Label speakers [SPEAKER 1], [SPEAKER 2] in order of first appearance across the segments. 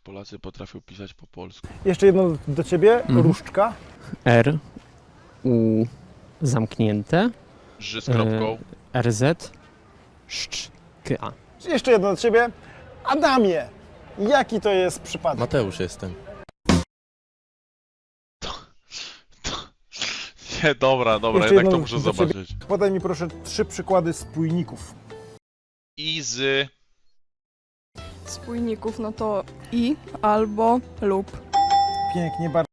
[SPEAKER 1] Polacy potrafią pisać po polsku.
[SPEAKER 2] Jeszcze jedno do ciebie, różdżka.
[SPEAKER 3] R, U zamknięte,
[SPEAKER 1] Ży z kropką.
[SPEAKER 3] RZ, Szcz, K.
[SPEAKER 2] Jeszcze jedno do ciebie, Adamie. Jaki to jest przypadek?
[SPEAKER 4] Mateusz jestem.
[SPEAKER 1] Nie, dobra,
[SPEAKER 2] Jeszcze
[SPEAKER 1] jednak to
[SPEAKER 2] jedno
[SPEAKER 1] muszę
[SPEAKER 2] do ciebie.
[SPEAKER 1] zobaczyć.
[SPEAKER 2] Podaj mi proszę 3 przykłady spójników.
[SPEAKER 1] I z...
[SPEAKER 5] Spójników, no to i, albo, lub.
[SPEAKER 2] Pięknie, bardzo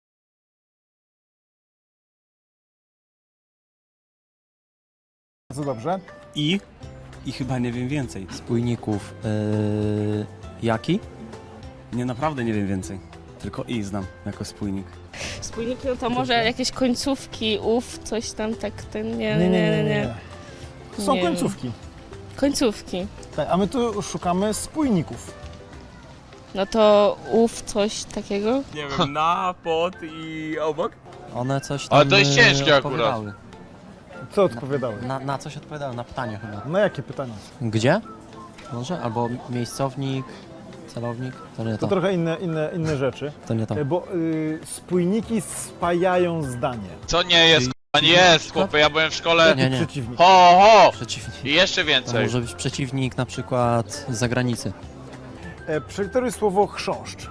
[SPEAKER 2] dobrze.
[SPEAKER 6] I chyba nie wiem więcej.
[SPEAKER 7] Spójników. Jaki?
[SPEAKER 6] Nie, naprawdę nie wiem więcej. Tylko i znam jako spójnik.
[SPEAKER 8] Spójniki no to może jakieś końcówki, coś tam tak, ten nie.
[SPEAKER 2] Są
[SPEAKER 8] Nie.
[SPEAKER 2] końcówki.
[SPEAKER 8] Końcówki.
[SPEAKER 2] Tak, a my tu szukamy spójników.
[SPEAKER 8] No to coś takiego.
[SPEAKER 6] Nie wiem, na, pod i obok?
[SPEAKER 7] One coś tam
[SPEAKER 1] Ale to jest ciężkie
[SPEAKER 7] odpowiadały.
[SPEAKER 2] Co odpowiadały?
[SPEAKER 7] Na coś odpowiadały, na pytanie chyba.
[SPEAKER 2] Na jakie pytanie?
[SPEAKER 7] Gdzie? Może? Albo miejscownik, celownik? To nie
[SPEAKER 2] To
[SPEAKER 7] to.
[SPEAKER 2] trochę inne rzeczy.
[SPEAKER 7] To nie to.
[SPEAKER 2] Bo spójniki spajają zdanie.
[SPEAKER 1] Co nie jest, k***a, nie jest, chłopie, ja byłem w szkole...
[SPEAKER 7] Nie, nie.
[SPEAKER 2] Przeciwnik.
[SPEAKER 1] Ho!
[SPEAKER 7] Przeciwnik.
[SPEAKER 1] I jeszcze
[SPEAKER 7] To
[SPEAKER 1] więcej.
[SPEAKER 7] może być przeciwnik na przykład z zagranicy.
[SPEAKER 2] Przeliteruj słowo chrząszcz.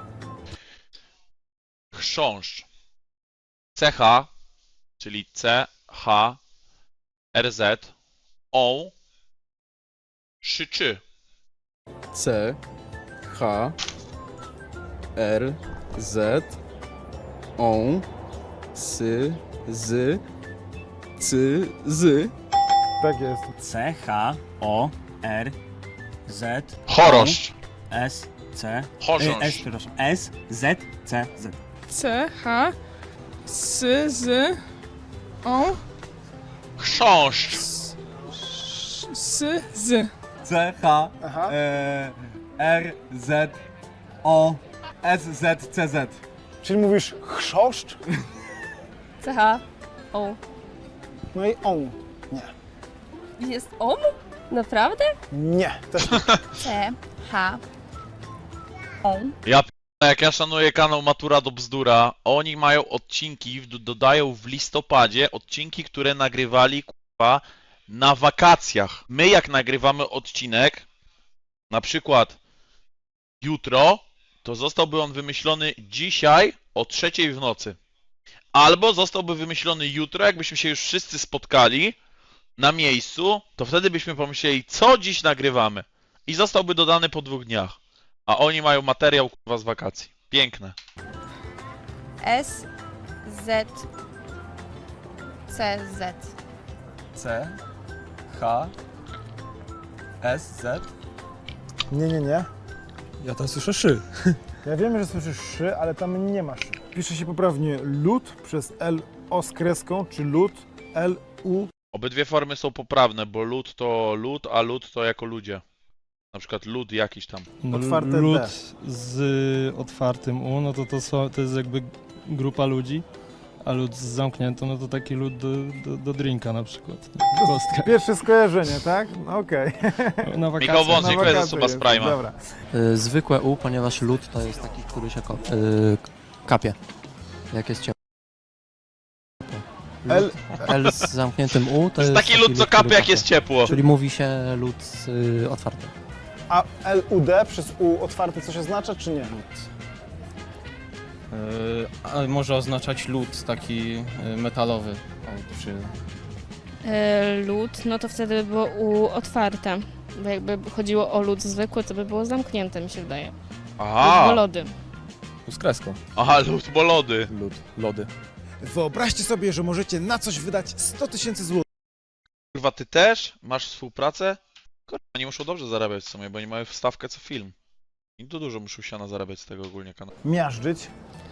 [SPEAKER 1] Chrząszcz. CH, czyli C, H, RZ, O, Szyczy.
[SPEAKER 4] C, H, R, Z, O, Sy, Z, Cy, Z.
[SPEAKER 2] Tak jest.
[SPEAKER 6] C, H, O, R, Z,
[SPEAKER 1] Choroszcz.
[SPEAKER 6] S, C,
[SPEAKER 1] Chorząszcz.
[SPEAKER 6] przepraszam, S, Z, C, Z.
[SPEAKER 5] C, H, S, Z, O,
[SPEAKER 1] Chrząszcz.
[SPEAKER 5] S, Z.
[SPEAKER 6] C, H,
[SPEAKER 2] Aha.
[SPEAKER 6] R, Z, O, S, Z, C, Z.
[SPEAKER 2] Czyli mówisz chrząszcz?
[SPEAKER 8] CH, O.
[SPEAKER 2] No i on. Nie.
[SPEAKER 8] Jest OM? Naprawdę?
[SPEAKER 2] Nie. Też nie.
[SPEAKER 8] C, H, O.
[SPEAKER 1] Ja p***a, jak ja szanuję kanał Matura do Bzdura, oni mają odcinki, dodają w listopadzie odcinki, które nagrywali k***a na wakacjach. My jak nagrywamy odcinek, na przykład jutro, to zostałby on wymyślony dzisiaj o 3 w nocy. Albo zostałby wymyślony jutro, jakbyśmy się już wszyscy spotkali na miejscu, to wtedy byśmy pomyśleli, co dziś nagrywamy. I zostałby dodany po 2 dniach. A oni mają materiał kurwa z wakacji. Piękne.
[SPEAKER 9] S, Z, C, Z.
[SPEAKER 6] C, H, S, Z.
[SPEAKER 2] Nie.
[SPEAKER 4] Ja tam słyszę szy.
[SPEAKER 2] Ja wiem, że słyszysz szy, ale tam nie ma szy. Pisze się poprawnie lud przez L o z kreską, czy lud L U.
[SPEAKER 1] Obydwie formy są poprawne, bo lud to lud, a lud to jako ludzie. Na przykład lud jakiś tam.
[SPEAKER 2] Otwarte
[SPEAKER 10] lud
[SPEAKER 2] D.
[SPEAKER 10] z otwartym U, no to jest jakby grupa ludzi, a lud z zamkniętą, no to taki lud do drinka na przykład. Nie? Kostka.
[SPEAKER 2] Pierwsze skojarzenie, tak? Okej.
[SPEAKER 10] Na
[SPEAKER 1] Michał
[SPEAKER 10] wakacje.
[SPEAKER 1] Wąsik,
[SPEAKER 2] Na
[SPEAKER 1] to jest
[SPEAKER 2] wakacje
[SPEAKER 1] osoba z
[SPEAKER 2] jest,
[SPEAKER 1] Prima.
[SPEAKER 2] Dobra.
[SPEAKER 7] Zwykłe U, ponieważ lód to jest taki, który się kapie. Jak jest ciepło.
[SPEAKER 2] L,
[SPEAKER 7] L z zamkniętym U
[SPEAKER 1] To jest taki lud, co
[SPEAKER 7] który
[SPEAKER 1] kapie jak jest ciepło.
[SPEAKER 7] Czyli mówi się lód otwarty.
[SPEAKER 2] a L U D przez U otwarte coś oznacza, czy nie?
[SPEAKER 10] A może oznaczać lód taki metalowy. O, czy...
[SPEAKER 8] Lód, no to wtedy by było U otwarte. Bo jakby chodziło o lód zwykły, to by było zamknięte, mi się wydaje. Lód, bo
[SPEAKER 1] Aha,
[SPEAKER 8] lody.
[SPEAKER 4] Z kreską.
[SPEAKER 1] aha, lud, bo lody.
[SPEAKER 4] Lody.
[SPEAKER 11] Wyobraźcie sobie, że możecie na coś wydać 100 000 złotych.
[SPEAKER 1] Kurwa, ty też masz współpracę? Kurwa, oni muszą dobrze zarabiać w sumie, bo oni mają wstawkę co film. I to dużo muszą siana zarabiać z tego ogólnie kanału.
[SPEAKER 2] Miażdżyć.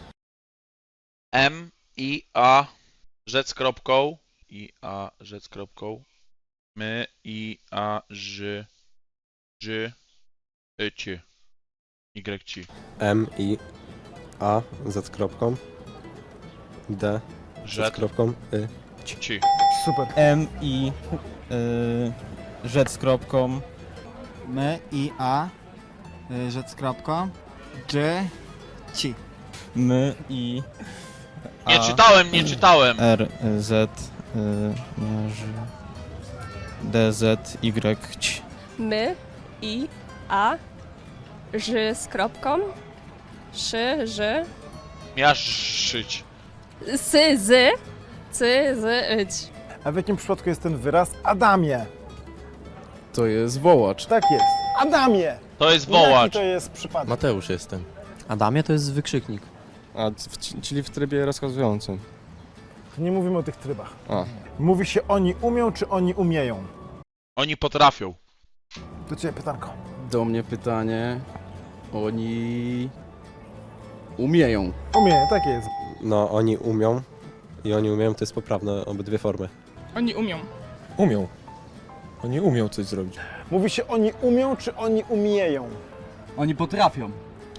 [SPEAKER 1] M, I, A, rzec z kropką. I, A, rzec z kropką. My, I, A, Ż, Ż, Ci. Y, Ci.
[SPEAKER 4] M, I, A, Z kropką. D, Z
[SPEAKER 1] Rzec,
[SPEAKER 4] kropką, Y.
[SPEAKER 1] Ci.
[SPEAKER 2] Super.
[SPEAKER 10] M, I, rzecz z kropką.
[SPEAKER 11] M, I, A, rzecz z kropką.
[SPEAKER 6] G, ci.
[SPEAKER 10] My, I,
[SPEAKER 1] Nie czytałem, nie czytałem.
[SPEAKER 10] R, Z, D, Z, Y, Ć.
[SPEAKER 9] My, I, A, Ż z kropką, Szy, Ż,
[SPEAKER 1] Miażdżyć.
[SPEAKER 9] Sy, Z, Cy, Z, Ć.
[SPEAKER 2] A w jakim przypadku jest ten wyraz Adamie?
[SPEAKER 4] To jest wołacz.
[SPEAKER 2] Tak jest. Adamie!
[SPEAKER 1] To jest
[SPEAKER 2] Jaki
[SPEAKER 1] wołacz.
[SPEAKER 2] to jest przypadek?
[SPEAKER 7] Mateusz jestem. Adamie to jest wykrzyknik.
[SPEAKER 4] Czyli w trybie rozkazującym.
[SPEAKER 2] Nie mówimy o tych trybach.
[SPEAKER 4] A.
[SPEAKER 2] Mówi się oni umią, czy oni umieją?
[SPEAKER 1] Oni potrafią.
[SPEAKER 2] Do ciebie pytanko.
[SPEAKER 4] Do mnie pytanie. Oni umieją.
[SPEAKER 2] Umieją, tak jest.
[SPEAKER 4] No, oni umią i oni umieją to jest poprawne obydwie formy.
[SPEAKER 5] Oni umią.
[SPEAKER 4] Umią. Oni umią coś zrobić.
[SPEAKER 2] Mówi się oni umią, czy oni umieją?
[SPEAKER 6] Oni potrafią.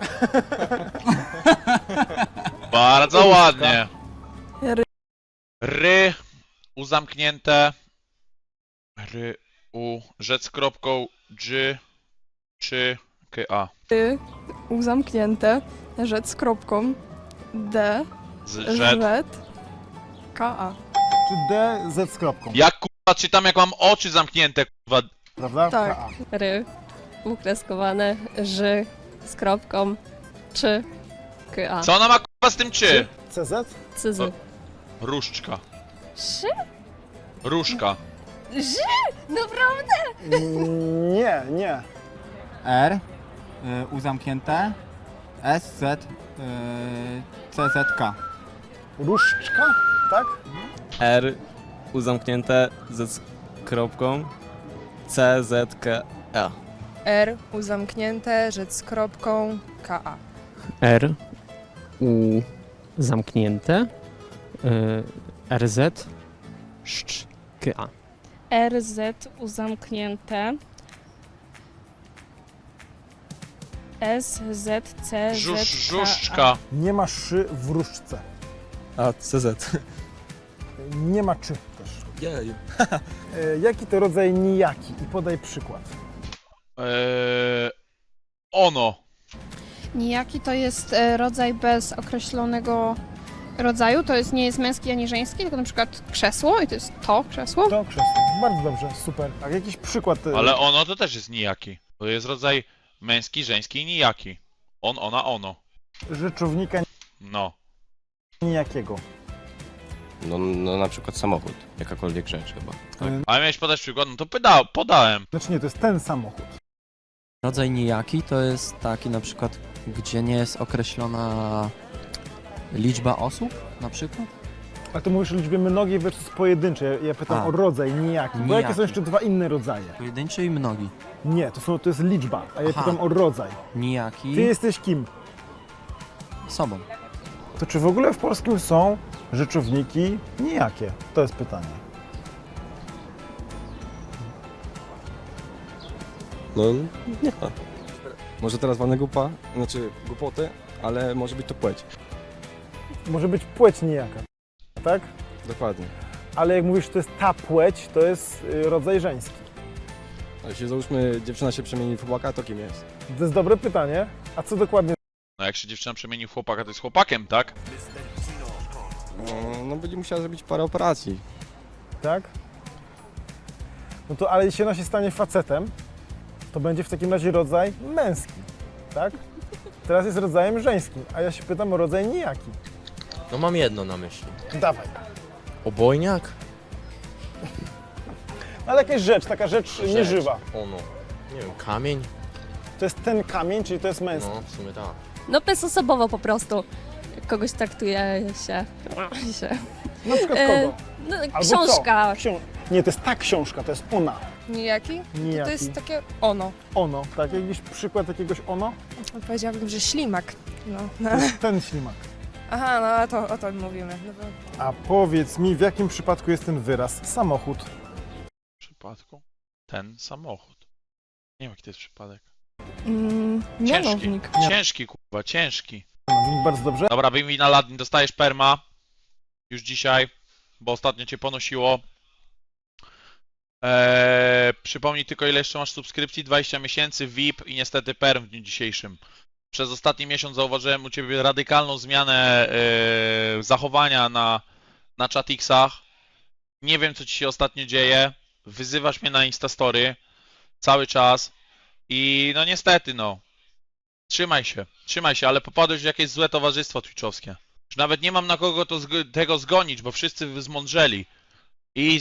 [SPEAKER 1] Bardzo ładnie.
[SPEAKER 5] Ry.
[SPEAKER 1] Ry, u zamknięte. Ry, u, rzec kropką, dż, czy, k, a.
[SPEAKER 5] Y, U zamknięte, rzec z kropką, D,
[SPEAKER 1] Z, rzec.
[SPEAKER 5] Z, K, A.
[SPEAKER 2] Czy D, Z z kropką?
[SPEAKER 1] Jak kurwa czytam, jak mam oczy zamknięte, kurwa.
[SPEAKER 2] Prawda?
[SPEAKER 5] Tak.
[SPEAKER 2] K-A.
[SPEAKER 9] Ry, ukreskowane, Ż z kropką, Czy, K, A.
[SPEAKER 1] Co ona ma kurwa z tym czy?
[SPEAKER 2] CZ?
[SPEAKER 9] Cy, Z.
[SPEAKER 1] Różdżka.
[SPEAKER 9] Szy?
[SPEAKER 1] Różka.
[SPEAKER 9] Naprawdę?
[SPEAKER 2] Nie, nie.
[SPEAKER 6] R, U zamknięte, S, Z, C, Z, K.
[SPEAKER 2] Różdżka? Tak?
[SPEAKER 10] R, U zamknięte, Z z kropką, C, Z, K, A.
[SPEAKER 9] R, U zamknięte, rzec z kropką, K, A.
[SPEAKER 3] R, U zamknięte, RZ, Szcz, K, A.
[SPEAKER 8] RZ uzamknięte. SZC.
[SPEAKER 1] Żużdżka.
[SPEAKER 2] Nie ma szy w różdżce.
[SPEAKER 4] A, CZ.
[SPEAKER 2] Nie ma czy też.
[SPEAKER 4] Jej.
[SPEAKER 2] Jaki to rodzaj nijaki? I podaj przykład.
[SPEAKER 1] Ono.
[SPEAKER 8] Nijaki to jest rodzaj bez określonego rodzaju. To jest, nie jest męski ani żeński, tylko na przykład krzesło i to jest to krzesło.
[SPEAKER 2] To krzesło. Bardzo dobrze, super. A jakiś przykład?
[SPEAKER 1] Ale ono to też jest nijaki. To jest rodzaj męski, żeński i nijaki. On, ona, ono.
[SPEAKER 2] Rzeczownika
[SPEAKER 1] No.
[SPEAKER 2] nijakiego.
[SPEAKER 7] No na przykład samochód. Jakakolwiek rzecz chyba.
[SPEAKER 1] Ale miałeś podać przykład, no to podałem.
[SPEAKER 2] Znaczy nie, to jest ten samochód.
[SPEAKER 7] Rodzaj nijaki to jest taki na przykład, gdzie nie jest określona liczba osób na przykład.
[SPEAKER 2] A ty mówisz o liczbie mnogiej versus pojedynczej. Ja pytam
[SPEAKER 7] A.
[SPEAKER 2] o rodzaj nijaki. Bo
[SPEAKER 7] Nijaki.
[SPEAKER 2] jakie są jeszcze dwa inne rodzaje?
[SPEAKER 7] Pojedynczy i mnogi.
[SPEAKER 2] Nie, to jest liczba, a ja
[SPEAKER 7] Aha.
[SPEAKER 2] pytam o rodzaj.
[SPEAKER 7] Nijaki
[SPEAKER 2] Ty jesteś kim?
[SPEAKER 7] sobą.
[SPEAKER 2] To czy w ogóle w polskim są rzeczowniki nijakie? To jest pytanie.
[SPEAKER 4] No, nie ma. Może teraz walnę głupa, znaczy głupoty, ale może być to płeć.
[SPEAKER 2] Może być płeć nijaka, tak?
[SPEAKER 4] Dokładnie.
[SPEAKER 2] Ale jak mówisz, że to jest ta płeć, to jest rodzaj żeński.
[SPEAKER 4] A jeśli załóżmy dziewczyna się przemieni w chłopaka, to kim jest?
[SPEAKER 2] To jest dobre pytanie. A co dokładnie?
[SPEAKER 1] No jak się dziewczyna przemieni w chłopaka, to jest chłopakiem, tak?
[SPEAKER 4] No będzie musiała zrobić parę operacji.
[SPEAKER 2] Tak? No to ale jeśli ona się stanie facetem, to będzie w takim razie rodzaj męski, tak? Teraz jest rodzajem żeńskim, a ja się pytam o rodzaj nijaki.
[SPEAKER 7] No mam jedno na myśli.
[SPEAKER 2] Dawaj.
[SPEAKER 7] Obojniak?
[SPEAKER 2] Ale jakaś rzecz, taka rzecz nieżywa.
[SPEAKER 7] Ono. Nie wiem, kamień?
[SPEAKER 2] To jest ten kamień, czyli to jest męski.
[SPEAKER 7] No, w sumie tak.
[SPEAKER 9] No bezosobowo po prostu. Kogoś traktuje się.
[SPEAKER 2] Na przykład kogo?
[SPEAKER 9] No,
[SPEAKER 2] Albo
[SPEAKER 9] książka.
[SPEAKER 2] Co? Nie, to jest ta książka, to jest ona.
[SPEAKER 9] Nijaki?
[SPEAKER 2] Nijaki.
[SPEAKER 9] To jest takie ono.
[SPEAKER 2] Ono, tak? Jakiś przykład jakiegoś ono?
[SPEAKER 9] Powiedziałabym, że ślimak. No.
[SPEAKER 2] To jest ten ślimak.
[SPEAKER 9] Aha, no o to mówimy. No to...
[SPEAKER 2] A powiedz mi, w jakim przypadku jest ten wyraz samochód?
[SPEAKER 1] W przypadku ten samochód. Nie wiem jaki to jest przypadek.
[SPEAKER 5] Mianownik.
[SPEAKER 1] Ciężki. Ciężki, kurwa, ciężki.
[SPEAKER 2] No, bardzo dobrze.
[SPEAKER 1] Dobra, wyjmij na Ladin, dostajesz perma. Już dzisiaj, bo ostatnio cię ponosiło. Przypomnij tylko ile jeszcze masz subskrypcji, 20 miesięcy, VIP i niestety perm w dniu dzisiejszym. Przez ostatni miesiąc zauważyłem u Ciebie radykalną zmianę zachowania na chatixach. Nie wiem, co Ci się ostatnio dzieje. Wyzywasz mnie na Instastory cały czas i no niestety, no. Trzymaj się, ale popadłeś w jakieś złe towarzystwo twitchowskie. Już nawet nie mam na kogo tego zgonić, bo wszyscy zmądrzeli. I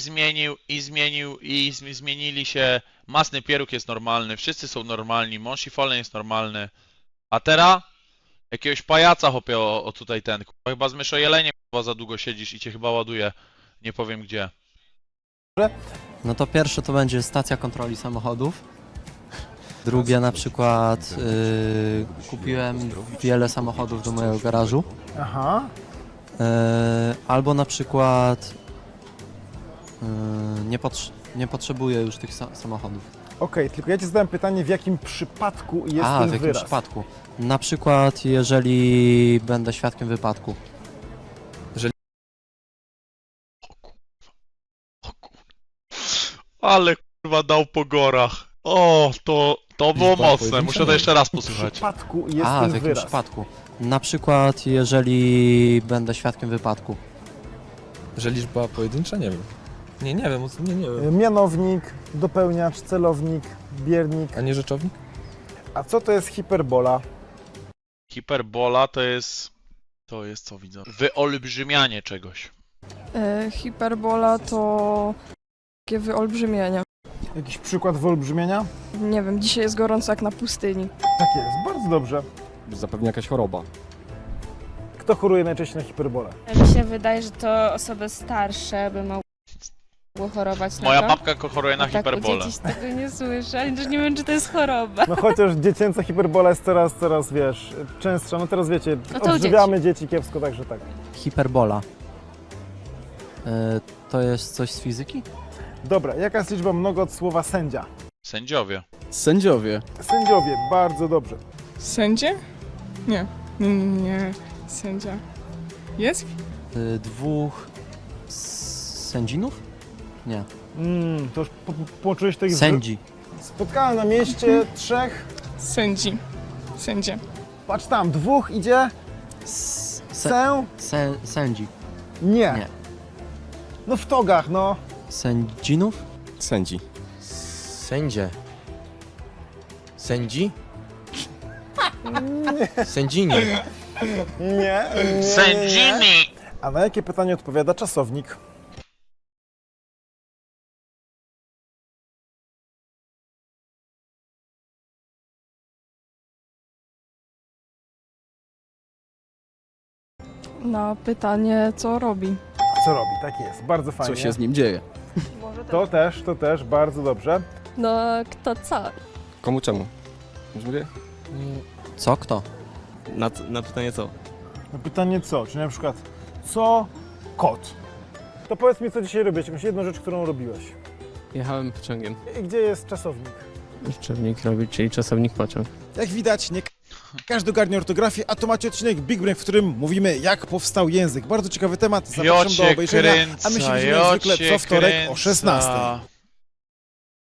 [SPEAKER 1] zmienili się. Masny Pieróg jest normalny, wszyscy są normalni, Monsi Fallen jest normalny. A teraz? Jakiegoś pajaca hopie o tutaj ten. Chyba z myszojeleniem za długo siedzisz i cię chyba ładuje. Nie powiem gdzie.
[SPEAKER 7] No to pierwsze to będzie stacja kontroli samochodów. Drugie na przykład kupiłem wiele samochodów do mojego garażu.
[SPEAKER 2] Aha.
[SPEAKER 7] Albo na przykład nie potrzebuję już tych samochodów.
[SPEAKER 2] Okej, tylko ja Ci zadałem pytanie, w jakim przypadku jest
[SPEAKER 7] A,
[SPEAKER 2] ten
[SPEAKER 7] w jakim
[SPEAKER 2] wyraz?
[SPEAKER 7] przypadku? Na przykład jeżeli będę świadkiem wypadku.
[SPEAKER 1] Ale kurwa dał po gorach. O, to było
[SPEAKER 4] Liczba
[SPEAKER 1] mocne,
[SPEAKER 4] pojedyncza
[SPEAKER 1] muszę to
[SPEAKER 4] nie.
[SPEAKER 1] jeszcze raz
[SPEAKER 2] W
[SPEAKER 1] posłuchać.
[SPEAKER 2] przypadku jest
[SPEAKER 7] A,
[SPEAKER 2] ten
[SPEAKER 7] w jakim
[SPEAKER 2] wyraz.
[SPEAKER 7] przypadku? Na przykład jeżeli będę świadkiem wypadku.
[SPEAKER 4] Że liczba pojedyncza? Nie wiem. Nie wiem, nie wiem.
[SPEAKER 2] Mianownik, dopełniacz, celownik, biernik.
[SPEAKER 4] A nie rzeczownik?
[SPEAKER 2] A co to jest hiperbola?
[SPEAKER 1] Hiperbola to jest co widzę? Wyolbrzymianie czegoś.
[SPEAKER 5] Hiperbola to takie wyolbrzymienie.
[SPEAKER 2] Jakiś przykład wyolbrzymienia?
[SPEAKER 5] Nie wiem, dzisiaj jest gorąco jak na pustyni.
[SPEAKER 2] Tak jest, bardzo dobrze.
[SPEAKER 4] Zapewne jakaś choroba.
[SPEAKER 2] Kto choruje najczęściej na hiperbolę?
[SPEAKER 9] Mi się wydaje, że to osoby starsze by mogły chorować na
[SPEAKER 1] Moja
[SPEAKER 9] to.
[SPEAKER 1] babka choruje na
[SPEAKER 9] A tak u
[SPEAKER 1] hiperbolę.
[SPEAKER 9] dzieci tego nie słyszę, ale też nie wiem, czy to jest choroba.
[SPEAKER 2] No chociaż dziecięca hiperbola jest coraz, wiesz, częstsza. No teraz wiecie,
[SPEAKER 9] No to u
[SPEAKER 2] odżywiamy dzieci kiepsko, także tak.
[SPEAKER 7] Hiperbola. To jest coś z fizyki?
[SPEAKER 2] Dobra, jaka jest liczba mnoga od słowa sędzia?
[SPEAKER 1] Sędziowie.
[SPEAKER 3] Sędziowie.
[SPEAKER 2] Sędziowie, bardzo dobrze.
[SPEAKER 5] Sędzie? Nie. Sędzia. Jest?
[SPEAKER 7] Dwóch sędzinów? Nie.
[SPEAKER 2] To już połączyłeś to ich
[SPEAKER 7] Sędzi.
[SPEAKER 2] Spotkałem na mieście trzech.
[SPEAKER 5] Sędzi. Sędzie.
[SPEAKER 2] Patrz tam, dwóch idzie.
[SPEAKER 7] Sędzi.
[SPEAKER 2] Nie.
[SPEAKER 7] Nie.
[SPEAKER 2] No w togach, no.
[SPEAKER 7] Sędzinów?
[SPEAKER 4] Sędzi.
[SPEAKER 3] Sędzie. Sędzi? Sędzini.
[SPEAKER 2] Nie.
[SPEAKER 1] Sędzini!
[SPEAKER 2] A na jakie pytanie odpowiada czasownik?
[SPEAKER 5] Na pytanie, co robi.
[SPEAKER 2] Co robi? Tak jest, bardzo fajnie.
[SPEAKER 3] Co się z nim dzieje?
[SPEAKER 2] To też, bardzo dobrze.
[SPEAKER 9] No, kto co?
[SPEAKER 4] Komu czemu? Już mówię?
[SPEAKER 7] Co? Kto?
[SPEAKER 3] Na pytanie co?
[SPEAKER 2] Na pytanie co? Czyli na przykład, co kot? To powiedz mi, co dzisiaj robiłeś, jakąś jedną rzecz, którą robiłeś.
[SPEAKER 3] Jechałem pociągiem.
[SPEAKER 2] I gdzie jest czasownik?
[SPEAKER 3] Czasownik robić, czyli czasownik pociąg.
[SPEAKER 11] Jak widać, nie każdy ogarnia ortografię, a to macie odcinek Big Brain, w którym mówimy, jak powstał język. Bardzo ciekawy temat, zapraszam do obejrzenia, a my się widzimy jak zwykle co wtorek o 16:00.